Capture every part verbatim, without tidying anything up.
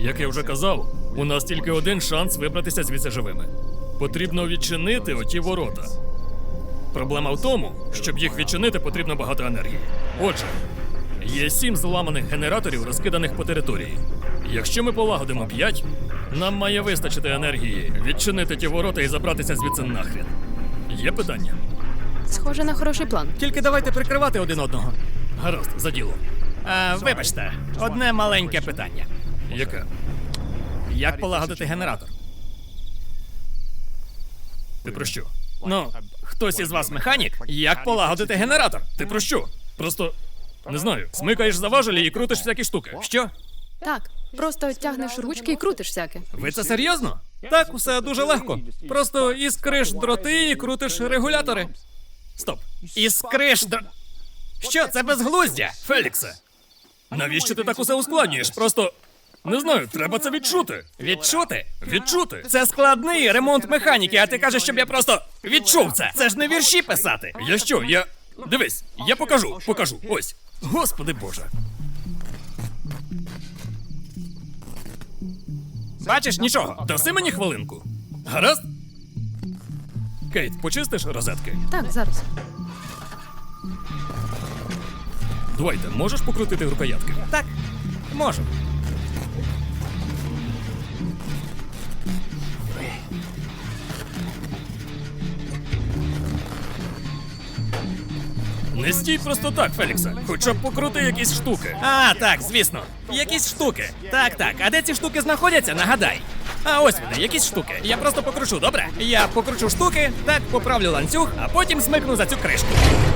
Як я вже казав, у нас тільки один шанс вибратися звідси живими. Потрібно відчинити оті ворота. Проблема в тому, щоб їх відчинити, потрібно багато енергії. Отже, є сім зламаних генераторів, розкиданих по території. Якщо ми полагодимо п'ять, нам має вистачити енергії відчинити ті ворота і забратися звідси нахрен. Є питання? Схоже на хороший план. Тільки давайте прикривати один одного. Гаразд, за діло. А, вибачте, одне маленьке питання. Яке? Як полагодити генератор? Ти про що? Ну, хтось із вас механік? Як полагодити генератор? Ти про що? Просто, не знаю, смикаєш за важелі і крутиш всякі штуки. Що? Так, просто тягнеш ручки і крутиш всяке. Ви це серйозно? Так, усе дуже легко. Просто іскриш дроти і крутиш регулятори. Стоп. Іскриш дро... Що, це безглуздя? Феліксе, навіщо ти так усе ускладнюєш? Просто, не знаю, треба це відчути. Відчути? Відчути. Це складний ремонт механіки, а ти кажеш, щоб я просто відчув це. Це ж не вірші писати. Я що, я... Дивись, я покажу, покажу, ось. Господи Боже. Бачиш, нічого. Даси мені хвилинку. Гаразд? Кейт, почистиш розетки? Так, зараз. Дуайте, можеш покрутити рукоятки? Так, можу. Не стій просто так, Феліксе. Хоча б покрути якісь штуки. А, так, звісно. Якісь штуки. Так, так. А де ці штуки знаходяться, нагадай. А ось вони, якісь штуки. Я просто покручу, добре? Я покручу штуки, так, поправлю ланцюг, а потім смикну за цю кришку.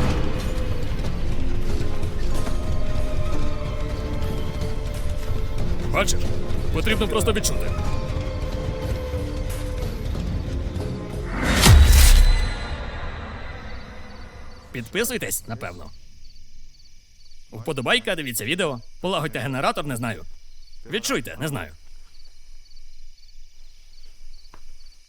Бачиш? Потрібно просто відчути. Підписуйтесь, напевно. Вподобайка, дивіться відео. Полагодьте генератор, не знаю. Відчуйте, не знаю.